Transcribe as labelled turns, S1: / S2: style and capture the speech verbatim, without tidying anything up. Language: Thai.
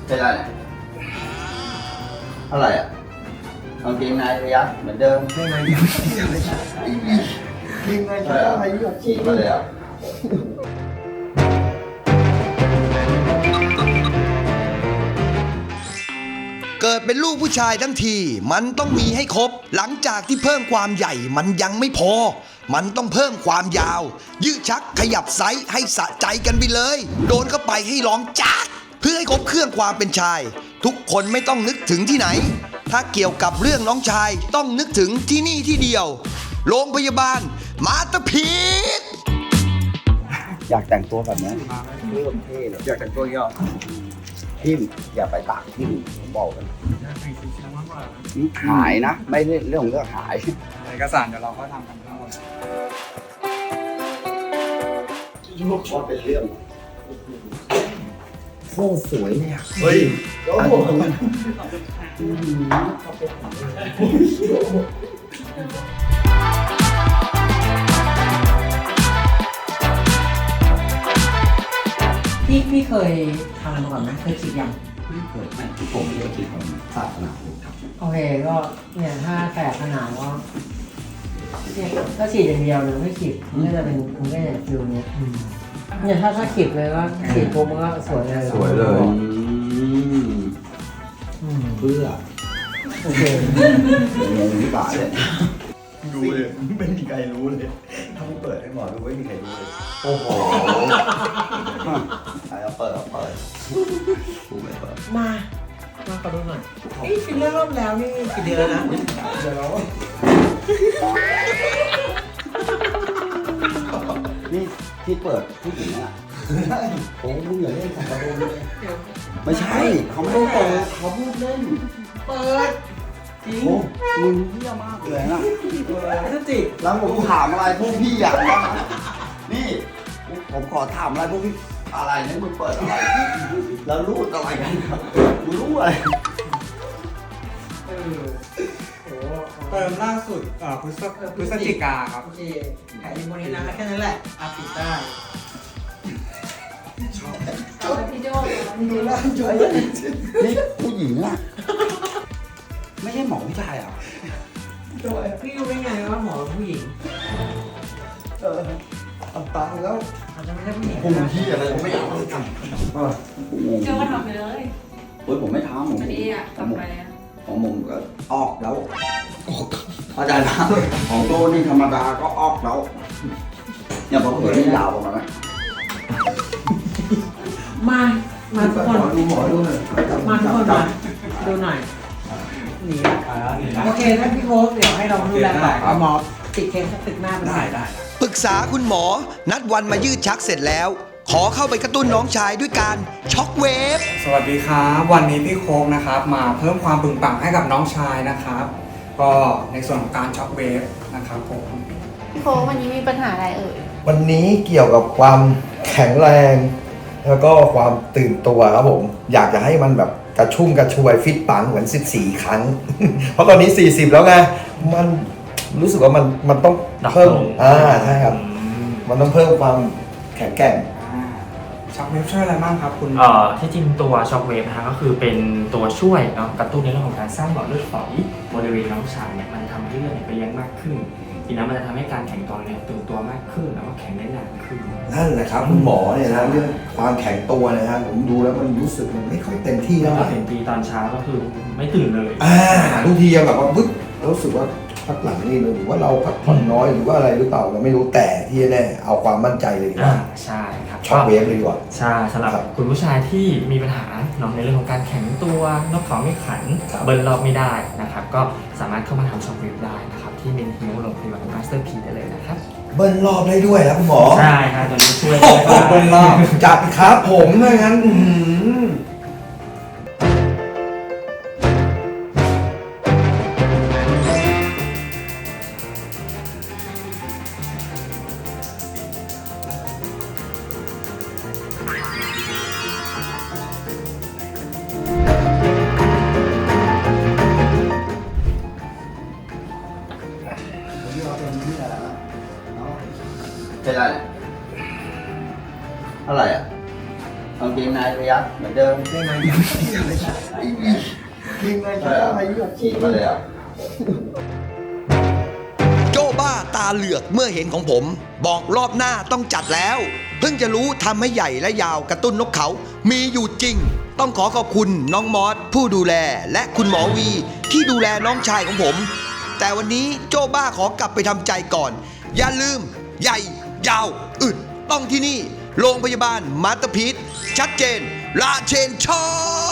S1: เป็นไรเนี่ยอะไรอ่ะกางเกงในระยะเหมือนเดิมไม่ไม่ไม่ใช่ยิงไงใช่ไหมหยดฉีกมาเลยอ่ะ
S2: เกิดเป็นลูกผู้ชายทั้งทีมันต้องมีให้ครบหลังจากที่เพิ่มความใหญ่มันยังไม่พอมันต้องเพิ่มความยาวยืดชักขยับไซส์ให้สะใจกันไปเลยโดนเข้าไปให้ร้องจักเพื่อให้ครบเครื่องความเป็นชายทุกคนไม่ต้องนึกถึงที่ไหนถ้าเกี่ยวกับเรื่องน้องชายต้องนึกถึงที่นี่ที่เดียวโรงพยาบาลมาสเตอร์พีซ
S1: อยากแต่งตัวแบบนี้เริ่มเท่เลยอยากแต่งตัวย่อทิมอย่าไปตากทิมผมบอกกันหายนะไม่ใช่เรื่องของเรื่องหาย
S3: เอกสารเดี๋ยวเราก็ทำกันทั้งหมด
S1: ลูกชอบเป็นเรื่องโคตรสวยเลยอ่ะ
S3: เฮ้ย
S1: โอ้โห
S4: พี่พี่เคยทำมาก่อนไหมเคยฉีดยัง
S1: ไม่เคยไม่ผมไม่ได้คิดผมศาสนาครับ
S4: โอเคก็เนี่ยถ้าแสบขนาดก็เนี่ยก็ฉีดอย่างเดียวเลยไม่ฉีดมันก็จะเป็นมันก็จะฟิลเนี้ยเนี่ยถ้าถ้าฉีดเลยก็ฉีดปุ๊บมันก็สวยเลย
S1: สวยเลยเพื่อ
S4: โอเค
S1: เงินที่บาทเลย
S3: ดูเลยไม่มีใครรู้เลยถ้าไม่เปิดให้หมอดูไม่มีใครรู้เลย
S1: โอ้โหเอาเปิดเอาเปิดกูไม่เปิด
S4: มามาขอดูหน่อยนี่ฟิลเลอร์รอบแล้วนี่กี่เดือนแล้วนะเดี๋ยวเรา
S1: นี่ที่เปิดผู้หญิงอ่ะโอ้มึงอย่าเล่นกับกระโดนเลยไม่ใช่เขาไม่ได้เปิดเขาพูดเล่น
S4: เปิดจริง
S1: โอ้มึงเหี้ยมากเลยนะ
S4: พฤศจิก
S1: แล้วผมถามอะไรพวกพี่อยากรู้นี่ผมขอถามอะไรพวกพี่อะไรเนี่ยมึงเปิดอะไรแล้วรูดอะไรกันครับมึงรู้อะไร
S4: เออโอ้
S3: เติมล่าสุดเอ่อพฤศพฤศจิกาครับ
S4: โอเคแค่นี้บนนี้นะแค่นั้นแหละอาปิดได้
S5: พี่โจ
S4: ดูแลจอย
S1: นี่ผู้หญิงอ่ะไม่ใช่หมอผู้ชายอ่ะ
S4: พี่รู้ได้ไงว่าหมอเป็นผู้หญิง
S1: เออเอาตังค์แล้ว
S4: อาจจะไม่ใช่ผู้หญิง
S1: ผมที่อะไรผมไม่เอาเลยกัน
S5: โจก็ทำไปเลย
S1: เฮ้ยผมไม่ทำผม
S5: อันนี้อ่ะกลับไปแล้ว
S1: ของผมก็ออกแล้วออกอาจารย์นะของโตนี่ธรรมดาก็ออกแล้วเนี่ยพอเปิดนี่ยาวประมาณนั้น
S4: มา มาทุกคน
S1: ดูหมอดูหน่อย
S4: มาทุกคนมาดูหน่อยหนีโอเคถ้าพี่โค้ชเดี๋ยวให้เราดูแลต่อหมอติดเคสตึกหน้าไปได้ได้
S2: ปรึกษาคุณหมอนัดวันมายืดชักเสร็จแล้ว ขอเข้าไปกระตุ้นน้องชายด้วยการช็อคเวฟ
S3: สวัสดีครับวันนี้พี่โค้กนะครับมาเพิ่มความบึงปังให้กับน้องชายนะครับ ก็ในส่วนของการช็อคเวฟนะครับผม
S5: พี่โค้วันนี้มีปัญหาอะไรเอ่ย
S6: วันนี้เกี่ยวกับความแข็งแรง แล้วก็ความตื่นตัวครับผม อยากจะให้มันแบบกระชุ่มกระชวยฟิตปังเหมือนสิบสี่ครั้ง เพราะตอนนี้สี่สิบแล้วไงมันรู้สึกว่ามันมันต้องเพิ่มอ่าใช่ครับมันต้องเพิ่มความแข็งแกร่ง
S3: ช็อคเวฟช่วยอะไรบ้างครับคุณ
S7: เอ่อที่จริงตัวช็อคเวฟนะฮะก็คือเป็นตัวช่วยเนาะกระตุ้นในเรื่องของการสร้างหลอดเลือดฝอยบริเวณน้องชายเนี่ยมันจะทำให้เลือดเนี่ยไปเลี้ยงมากขึ้นทีนั้นมันจะทำให้การแข็งตัวเนี่ยตื่นตัวมากขึ้นแล้วก็แข็งได้นานขึ้น
S6: นั่นแหละครับคุณหมอเนี่ยนะเรื่องความแข็งตัวนะฮะผมดูแล้วมันรู้สึกมันไม่ค่อยเต็มที่
S7: แล้
S6: เท่าว ไห
S7: ก็
S6: ร่
S7: เห็นทีตอนเช้าก็คือไม่ตื่นเลย
S6: อ่าทุกทียังแบบว่าปึ๊บรู้สึกว่าพักหลังนี่หรือว่าเราพักผ่อนน้อยหรือว่าอะไรหรือเปล่าเราไม่รู้แต่ที่แน่เอาความมั่นใจเลยดีก
S7: อ่า
S6: ว่า
S7: ใช่ครับ
S6: ช็อคเวฟเลยดีกว่า
S7: ใช่สำหรับ
S6: ครับ
S7: คุณผู้ชายที่มีปัญหาเนาะในเรื่องของการแข็งตัวนกเขาไม่ขัน
S6: ครับ
S7: เบิร์นรอบไม่ได้นะครับก็สามารถเข้ามาทำช็อคเวฟได้นะครับที่เมนฮิวโรงพยาบาลมาสเตอร์พีได้เลยนะครับ
S6: เบิ้ลรอบได้ด้วยนะคุณหมอ
S7: ใช่ครับตัวนี้ช่วย
S6: โอ้
S7: ได้
S6: โหเบิ้ลรอบจัดครับผมถ้างั้นอื้อหือ
S1: เป็นไรอะไรอ่ะกางเกงในระยักเหมือนเดิม
S6: ได้ไงยิงเลยได้ไงยก
S1: ฉีดมาเลยอ่ะ
S2: โจ้บ้าตาเหลือกเมื่อเห็นของผม บอกรอบหน้าต้องจัดแล้ว เพิ่งจะรู้ทำให้ใหญ่และยาวกระตุ้นนกเขามีอยู่จริง ต้องขอขอบคุณน้องมอสผู้ดูแลและคุณหมอวีที่ดูแลน้องชายของผม แต่วันนี้โจ้บ้าขอกลับไปทำใจก่อน อย่าลืม ใหญ่ยาวอึดต้องที่นี่ โรงพยาบาลมาสเตอร์พีชชัดเจนลาเชนชอบ